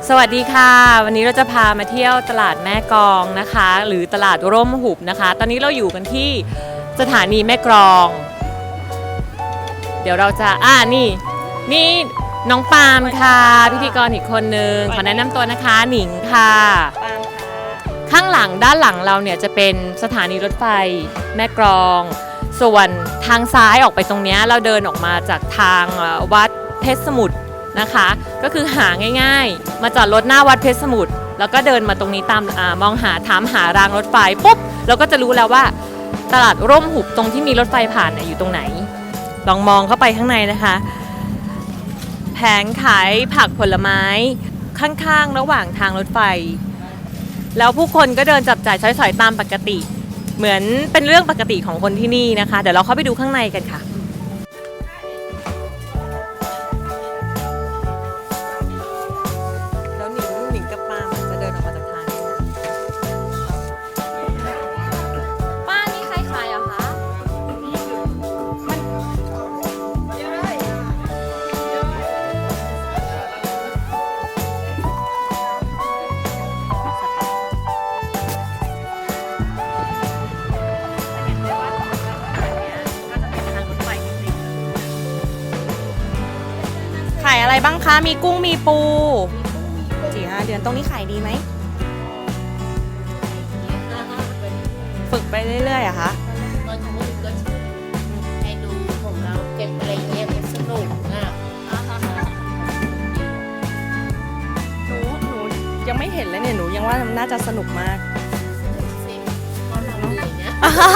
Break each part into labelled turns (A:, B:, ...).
A: สวัสดีค่ะวันนี้เราจะพามาเที่ยวตลาดแม่กลองนะคะหรือตลาดร่มหุบนะคะตอนนี้เราอยู่กันที่สถานีแม่กลองเดี๋ยวเราจะนี่น้องปาล์มค่ะพิธีกรอีกคนนึงขอแนะนำตัวนะคะหนิงค่ะ
B: ปาล์มค่ะ
A: ข้างหลังด้านหลังเราเนี่ยจะเป็นสถานีรถไฟแม่กลองส่วนทางซ้ายออกไปตรงนี้เราเดินออกมาจากทางวัดเพชรสมุทรนะคะก็คือหาง่ายๆมาจอดรถหน้าวัดเพชรสมุทรแล้วก็เดินมาตรงนี้ตามมองหาถามหารางรถไฟปุ๊บเราก็จะรู้แล้วว่าตลาดร่มหุบตรงที่มีรถไฟผ่านอยู่ตรงไหนลองมองเข้าไปข้างในนะคะแผงขายผักผลไม้ข้างๆระหว่างทางรถไฟแล้วผู้คนก็เดินจับจ่ายใช้สอยตามปกติเหมือนเป็นเรื่องปกติของคนที่นี่นะคะเดี๋ยวเราเข้าไปดูข้างในกันค่ะแล้วหนิงกับป้าจะเดินออกมาจากทางนี้ป้านี่ใครขายอะคะ
B: ขายอะไรบ้างคะมีกุ้งมีปู4-5 เดือนตรงนี้ขายดีไหมฝึกไปเรื่อยๆอะคะ
C: ตอนทำก็ให้ดูของเราเก็บอะไรเงี้ยมันสนุกอ่ะ
B: หนูยังไม่เห็นเลยเนี่ยหนูยังว่าน่าจะสนุกมาก
C: สิตอนเราเหนื่อยเนี่ย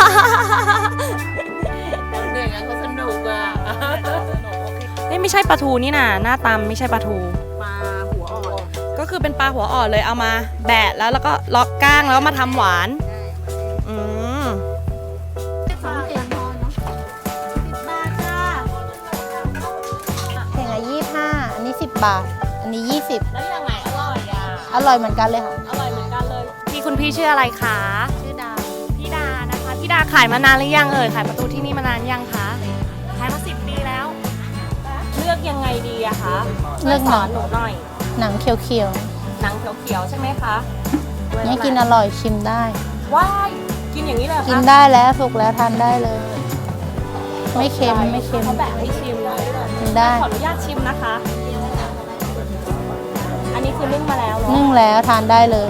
C: ตอนเหนื่อยงั้นก็สนุกอ่ะ
B: นี่ไม่ใช่ปลาทูนี่นะหน้าตามไม่ใช่ปลาทู
C: ปลาหัวอ่อน
B: ก็คือเป็นปลาหัวอ่อนเลยเอามาแบะแล้วก็ล็อกก้างแล้วมาทำหวานอืม
D: แข่งละ25อันนี้10 บาทอันนี้20
C: แล้วยังไงอร่อยอ่ะ
D: อร่อยเหมือนกันเลยค่ะ
A: อร่อยเหมือนกันเลยคุณพี่ชื่ออะไรคะ
D: ชื่อดาว
A: พี่ดานะคะพี่ดาขายมานานหรือยังขายประตูที่นี่มานานยังคะขายมา10 ปีแล้วเลือกยังไงดีอะคะ
D: เลือก
A: สอนหนูหน่อย
D: หนังเขียว
A: หนังเขียวๆใช่ไหมคะ
D: ๆนี่กินอร่อยชิมได้
A: ว้ายกินอย่างนี้เลยคะ
D: กินได้แล้วสุกแล้วทานได้เลย ไม่เค็มไม่เค็ม
A: เขาแบ่งให้ชิมเลย
D: กินได้
A: ขออนุญาตชิมนะคะ อันนี้คือนึ่งมาแล้วเนาะ
D: นึ่งแล้วทานได้เลย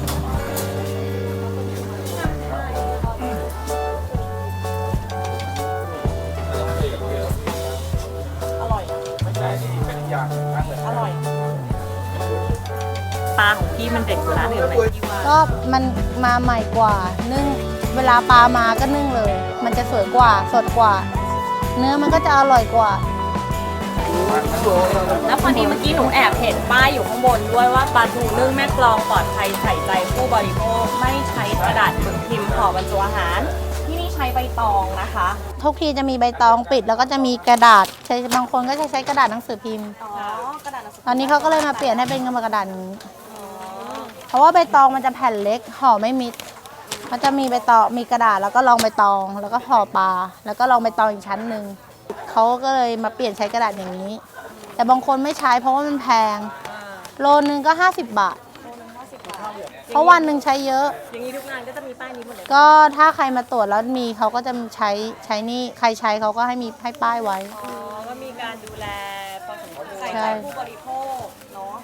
A: อร่อยปลาของพี่มันเด็ดกว่าร้านอื่นไหมพี่ว่า
D: ก็มันมาใหม่กว่านึ่งเวลาปลามาก็นึ่งเลย มันจะสวยกว่าสดกว่า เนื้อมันก็จะอร่อยกว่า
A: แล้วพอดีเมื่อกี้หนูแอบเห็นป้ายอยู่ข้างบนด้วยว่าปลาทูนึ่งแม่กลองปลอดภัยใส่ใจผู้บริโภคไม่ใช้กระดาษหมึกพิมพ์ห่อบรรจุอาหารที่นี่ใช้ใบตองนะคะ
D: ทุกทีจะมีใบตองปิดแล้วก็จะมีกระดาษใช้บางคนก็จะใช้กระดาษหนังสือพิมพ์
A: กระดาษหนังสือ
D: ตอนนี้เขาก็เลยมาเปลี่ยนให้เป็นกระดาษนี้เพราะว่าใบตองมันจะแผ่นเล็กห่อไม่มิดมันจะมีใบตองมีกระดาษแล้วก็รองใบตองแล้วก็ห่อปลาแล้วก็รองใบตองอีกชั้นหนึ่งเขาก็เลยมาเปลี่ยนใช้กระดาษอย่างนี้แต่บางคนไม่ใช้เพราะว่ามันแพงโลนึงก็50 บาทเพราะวันหนึ่งใช้เยอะ
A: อย่างนี้ทุกงานก็จะมีป้ายนี้หมดเลย
D: ก็ถ้าใครมาตรวจแล้วมีเขาก็จะใช้นี่ใครใช้เขาก็ให้ป้ายไว้
A: ก็มีการดูแลพอสมควรใส่ใจผู้บริโภคเนาะ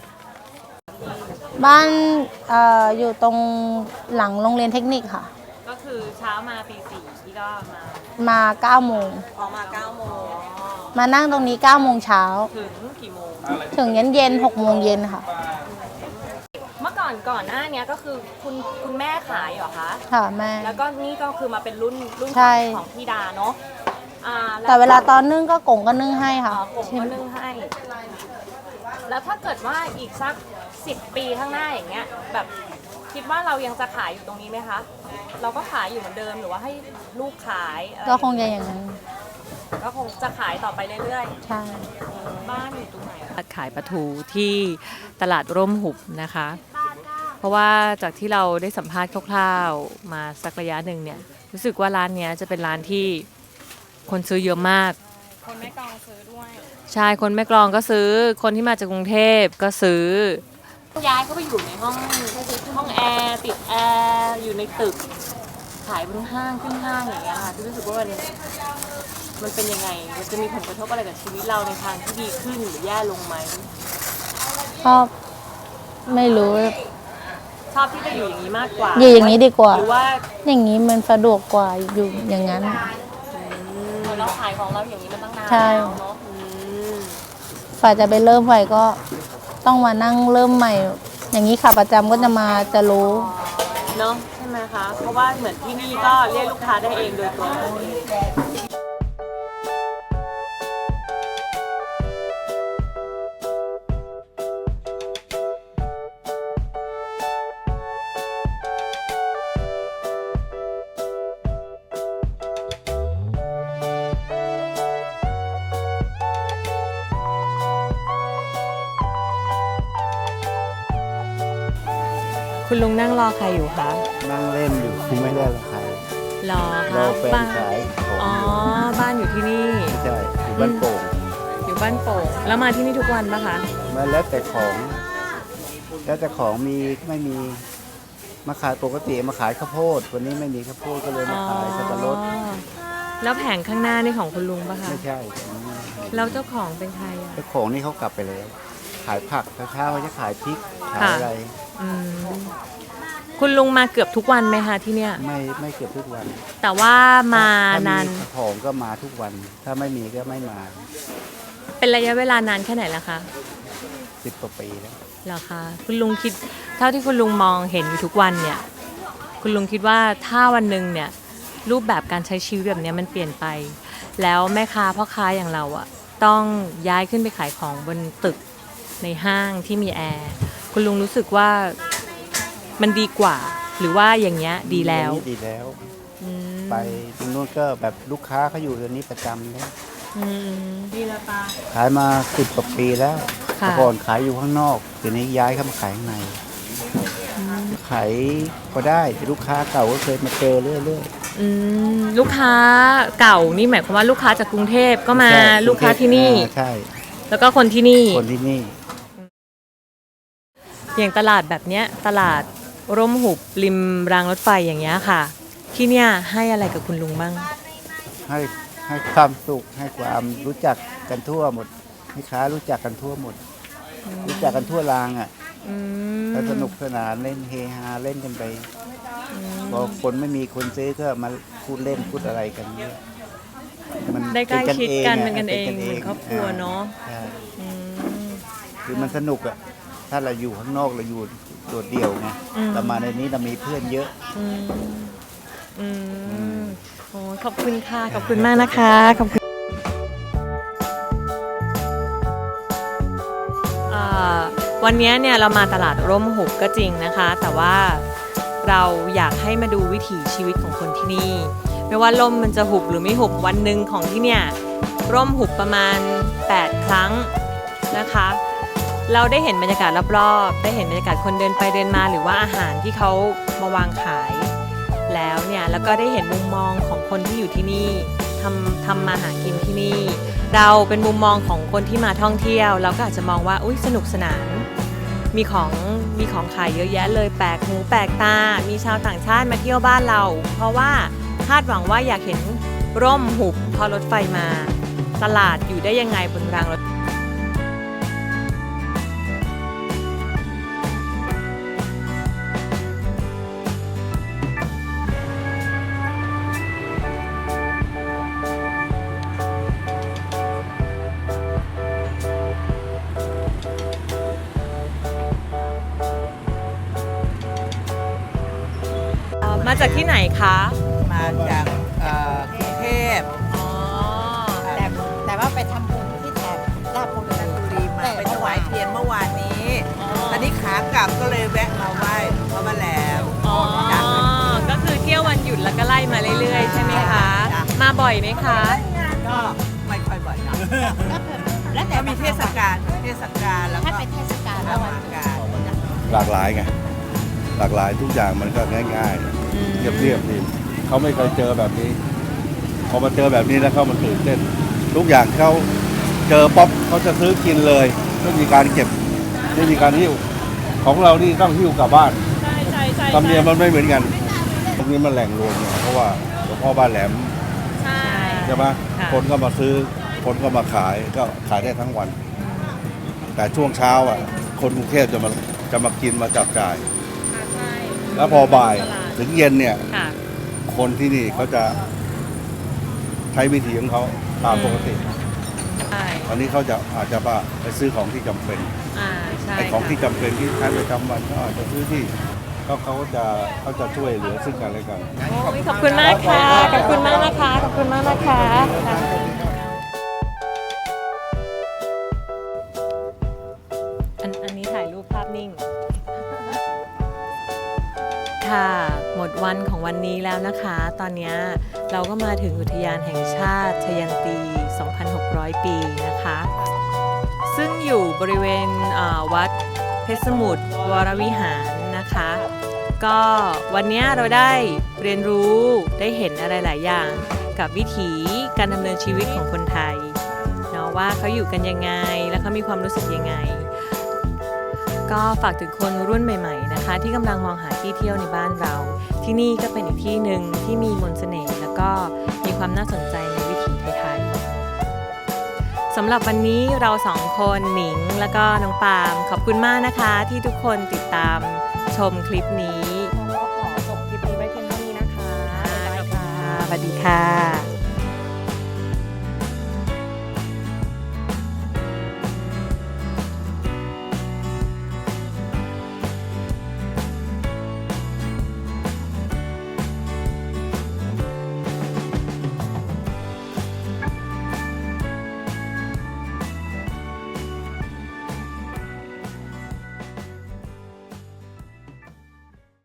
D: บ้านอยู่ตรงหลังโรงเรียนเทคนิคค่ะ
A: ก็คือเช้ามาตี 4ที่ก็
D: มา9 โมง
A: ออกมา9 โมง
D: มานั่งตรงนี้9 โมงเช้า
A: ถึงกี่โมง
D: ถึงเย็น6 โมงเย็นค่ะ
A: เมื่อก่อนหน้านี้ก็คือคุณแม่ขายเหรอคะ
D: ค่ะแม่
A: แล้วก็นี่ก็คือมาเป็นรุ่นของพี่ดาเนาะ
D: แต่เวลาตอนนึ่งก็กงก็นึ่งให้ค่ะ
A: กงก็นึ่งให้แล้วถ้าเกิดว่าอีกสัก10 ปีข้างหน้าอย่างเงี้ยแบบคิดว่าเรายังจะขายอยู่ตรงนี้ไหมคะเราก็ขายอยู่เหมือนเดิมหรือว่าให้ลูกขาย
D: ก็คงจะอย่างนั้น
A: ก็คงจะขายต่อไปเรื่อย
D: ๆใช่
A: บ้านอยู่ตรงไหนขายปลาทูที่ตลาดร่มหุบนะคะเพราะว่าจากที่เราได้สัมภาษณ์คร่าวๆมาสักระยะหนึ่งเนี่ยรู้สึกว่าร้านนี้จะเป็นร้านที่คนซื้อเยอะมาก
B: คนแม่กลองซื้อด้วย
A: ใช่คนแม่กลองก็ซื้อคนที่มาจากกรุงเทพก็ซื้อย้ายเข้าไปอยู่ในห้องแอร์ติดแอร์อยู่ในตึกขายบนห้างขึ้นห้างอย่างเงี้ยค่ะที่รู้สึกว่ามันเป็นยังไงมันจะมีผลกระทบอะไรกับชีวิตเราในทางที่ดีขึ้นหรือแย่ลงไหม
D: ก็ไม่รู้
A: ชอบที่จะอยู่อย่างนี้มากกว่า
D: อยู่อย่างนี้ดีกว่า
A: หรือว่า
D: อย่างนี้มันสะดวกกว่าอยู่อย่างนั้น
A: เราขายของเราอย่างนี้มาตั้งนาน
D: ใช่
A: แล้วเนาะ
D: ฝ่ายจะไปเริ่มใหม่ก็ต้องมานั่งเริ่มใหม่ อย่างนี้ค่ะประจำก็จะมาจะรู้
A: เนาะใช่ไหมคะเพราะว่าเหมือนที่นี่ก็เรียกลูกค้าได้เองโดยตัวเราเอง คุณลุงนั่งรอใครอยู่คะ
E: นั่งเล่นอยู่ไม่ได้ละใคร
A: รอ
E: รอแฟน
A: บ้าน
E: ขายของ
A: อ๋อ บ้านอยู่ที่นี่
E: ไม่ใช่อยู่บ้านโป่ง
A: อยู่บ้านโป่งแล้วมาที่นี่ทุกวันปะคะ
E: มาแล้วแต่ของ แล้วแต่ของมีไม่มีมาขายปกติมาขายข้าวโพดวันนี้ไม่มีข้าวโพดก็เลยมาขายสับปะรด
A: อ๋อแล้วแผงข้างหน้านี่ของคุณลุงปะคะ
E: ไม่ใช่
A: แล้วเจ้าของเป็นใครอ่ะ
E: เจ้าของนี่เขากลับไปแล้ว ขายผักเช้าๆเขาจะขายพริกขาย
A: ค่ะ
E: อะไร
A: อืมคุณลุงมาเกือบทุกวันไหมคะที่เนี่ย
E: ไม่เก็บทุกวัน
A: แต่ว่ามาน
E: ถ้
A: าน
E: มีของก็มาทุกวัน ถ้าไม่มีก็ไม่มา
A: เป็นระยะเวลานานแค่ไหนแล้วคะ
E: 10 กว่าปีแล้ว
A: เหรอคะคุณลุงคิดเท่าที่คุณลุงมองเห็นอยู่ทุกวันเนี่ย คุณลุงคิดว่าถ้าวันหนึ่งเนี่ยรูปแบบการใช้ชีวิตแบบเนี้ยมันเปลี่ยนไป แล้วแม่ค้าพ่อค้าอย่างเราอะต้องย้ายขึ้นไปขายของบนตึกในห้างที่มีแอร์คุณลุงรู้สึกว่ามันดีกว่า หรือว่าอย่างเงี้ยดีแล้ว
E: ดีแล้ว
A: อืม
E: ไปตรงนู้นก็แบบลูกค้าเขาอยู่ตรงนี้ประจำเลย
A: อืมดีละปา
E: ขายมา10 กว่าปีแล้ว
A: ค่ะ
E: แต่ก่อนขายอยู่ข้างนอกเดี๋ยวนี้ย้ายเข้ามาขายข้างในขายก็ได้แต่ลูกค้าเก่าก็เคยมาเจอเรื่อย
A: อืมลูกค้าเก่านี่หมายความว่าลูกค้าจากกรุงเทพก็
E: ๆ
A: มา
E: ใช่
A: ลูกค้าที่นี่
E: ใช่
A: แล้วก็คนที่นี่
E: คนที่นี่
A: อย่างตลาดแบบเนี้ยตลาดร่มหุบริมรางรถไฟอย่างเงี้ยค่ะ ที่เนี่ยให้อะไรกับคุณลุงบ้าง
E: ให้ความสุขให้ความรู้จักกันทั่วหมดลูกค้ารู้จักกันทั่วหมด รู้จักกันทั่วรางอ่ะ
A: อืม
E: ก็สนุกสนานเล่นเฮฮาเล่นกันไปพอคนไม่มีคนซื้อก็มาพูดเล่นพูดอะไรกันเนี่ยมัน
A: ได้ใกล้ชิดกันเป็น
E: อะ
A: กันเอง
E: ป็
A: เหมือนครอบครัวเนาะ
E: ใช่
A: อืม
E: คือมันสนุกอ่ะถ้าเราอยู่ข้างนอกเราอยู่โดดเดี่ยวไง
A: อืม
E: แต่มาในนี้เรามีเพื่อนเยอะ
A: อืมอืมโอ้ขอบคุณค่ะขอบคุณมากนะคะขอบคุณวันนี้เนี่ยเรามาตลาดร่มหุบก็จริงนะคะ แต่ว่าเราอยากให้มาดูวิถีชีวิตของคนที่นี่ ไม่ว่าร่มมันจะหุบหรือไม่หุบวันหนึ่งของที่เนี่ยร่มหุบประมาณ8 ครั้งนะคะ เราได้เห็นบรรยากาศรอบๆได้เห็นบรรยากาศคนเดินไปเดินมาหรือว่าอาหารที่เขามาวางขายแล้วเนี่ยแล้วก็ได้เห็นมุมมองของคนที่อยู่ที่นี่ทำมาหากินที่นี่ เราเป็นมุมมองของคนที่มาท่องเที่ยวเราก็อาจจะมองว่าอุ๊ยสนุกสนานมีของขายเยอะแยะเลยแปลกหูแปลกตามีชาวต่างชาติมาเที่ยวบ้านเรา เพราะว่าคาดหวังว่าอยากเห็นร่มหุบพอรถไฟมา ตลาดอยู่ได้ยังไงบนรางรถมาจากที่ไหนคะ
F: มาจากกรุงเทพ
A: อ๋อ
F: แต่ว่าไปทำบุญที่แถบราชบุรีมาไปถวายเทียนเมื่อวานนี้ ตอนนี้ขากลับก็เลยแวะมาไหว้พระแม่แหลม
A: อ๋อ ก็คือเที่ยววันหยุดแล้วก็ไล่มาเรื่อยๆ ใช่ไหมคะ
F: จ้ะ
A: มาบ่อยไหมคะ
F: ก็ไม่ค่อยบ่อยนะ
D: แล้วแต่
F: ก็มีเทศกาลแล้วก็
D: ถ้าเป็นเทศกาล
F: เท
D: แล้ววัน
F: ศกาล
G: หลากหลายไงหลากหลายทุกอย่างมันก็ง่ายๆเรียบๆดีเขาไม่เคยเจอแบบนี้ พอมาเจอแบบนี้แล้วเขามันตื่นเต้น ทุกอย่างเขาเจอป๊อปเขาจะซื้อกินเลยไม่มีการเก็บไม่มีการหิ้วของเรานี่ต้องหิ้วกลับบ้าน
A: ใช่ใช่ใช่
G: ธรรมเนียมมันไม่เหมือนกันตรงนี้มันแหล่งรวมเนี่ยเพราะว่าหลวงพ่อบ้านแหลม
A: ใช่
G: ใช่ไหม
A: ค่ะ
G: คนก็มาซื้อคนก็มาขายก็ขายได้ทั้งวัน แต่ช่วงเช้าอ่ะคนกรุงเทพจะมากินมาจับจ่าย
A: ใช่
G: แล้วพอบ่าย
A: ตลาด
G: ถึงเย็นเนี่ย
A: ค่ะ
G: คนที่นี่เขาจะใช้วิธีของเขาตามปกติ
A: ใช่
G: อันนี้เขาจะอาจจะไปซื้อของที่จำเป็น
A: ใช่
G: ไอ้ของ
A: ค่ะ
G: ที่จำเป็นที่ใช้ประจำวันก็อาจจะซื้อที่เขาจะช่วยเหลือซึ่งกันและกัน
A: โอ้ยขอบคุณมากค่ะ ขอบคุณมากนะคะ ขอบคุณมากนะคะอันนี้ถ่ายรูปภาพนิ่ง ค่ะ หมดวันของวันนี้แล้วนะคะ ตอนนี้เราก็มาถึงอุทยานแห่งชาติชยันตี 2,600 ปีนะคะ ซึ่งอยู่บริเวณวัดเพชรสมุทรวรวิหารนะคะ ก็วันนี้เราได้เรียนรู้ได้เห็นอะไรหลายอย่างกับวิถีการดำเนินชีวิตของคนไทยเนาะว่าเขาอยู่กันยังไงและเขามีความรู้สึกยังไง ก็ฝากถึงคนรุ่นใหม่ๆนะคะที่กำลังมองหาที่เที่ยวในบ้านเรา ที่นี่ก็เป็นอีกที่หนึ่งที่มีมนต์เสน่ห์แล้วก็มีความน่าสนใจในวิถีไทยๆสำหรับวันนี้เราสองคนหนิงแล้วก็น้องปาล์มขอบคุณมากนะคะที่ทุกคนติดตามชมคลิปนี้
B: ขอจบคลิปนี้ไว้เพียงเท่านี้นะคะ
A: สวัสดีค่ะ